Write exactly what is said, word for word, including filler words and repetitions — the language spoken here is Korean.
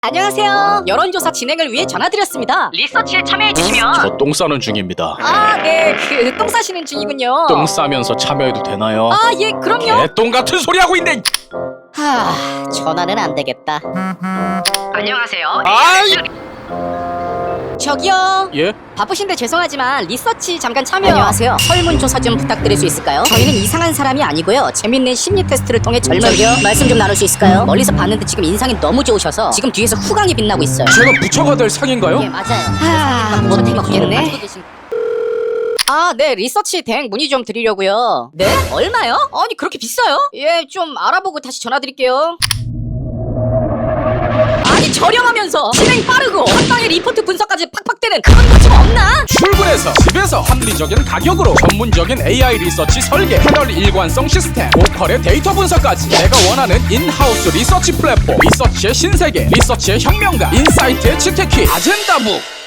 안녕하세요. 여론조사 진행을 위해 전화드렸습니다. 리서치에 참여해주시면 저 똥 싸는 중입니다. 아, 네, 그 똥 싸시는 중이군요. 똥 싸면서 참여해도 되나요? 아, 예, 그럼요. 개똥 같은 소리 하고 있네. 하, 전화는 안 되겠다. 안녕하세요. 아이. 저기요. 예? 바쁘신데 죄송하지만 리서치 잠깐 참여. 안녕하세요. 설문조사 좀 부탁드릴 수 있을까요? 저희는 이상한 사람이 아니고요. 재밌는 심리 테스트를 통해 젊은 저기요. 말씀 좀 나눌 수 있을까요? 멀리서 봤는데 지금 인상이 너무 좋으셔서 지금 뒤에서 후광이 빛나고 있어요. 제가 부처가 될 상인가요? 예, 맞아요. 아, 못 해먹겠네. 아, 네, 리서치 대행 문의 좀 드리려고요. 네? 얼마요? 아니, 그렇게 비싸요? 예, 좀 알아보고 다시 전화드릴게요. 아니, 저렴하면서 진행 빠르고 한 방에 리포트 분석까지 팍팍 되는 그런 거 좀 없나? 출근해서 집에서 합리적인 가격으로 전문적인 에이아이 리서치 설계, 패널 일관성 시스템, 보컬의 데이터 분석까지 내가 원하는 인하우스 리서치 플랫폼, 리서치의 신세계, 리서치의 혁명가, 인사이트의 치트키, 아젠다북.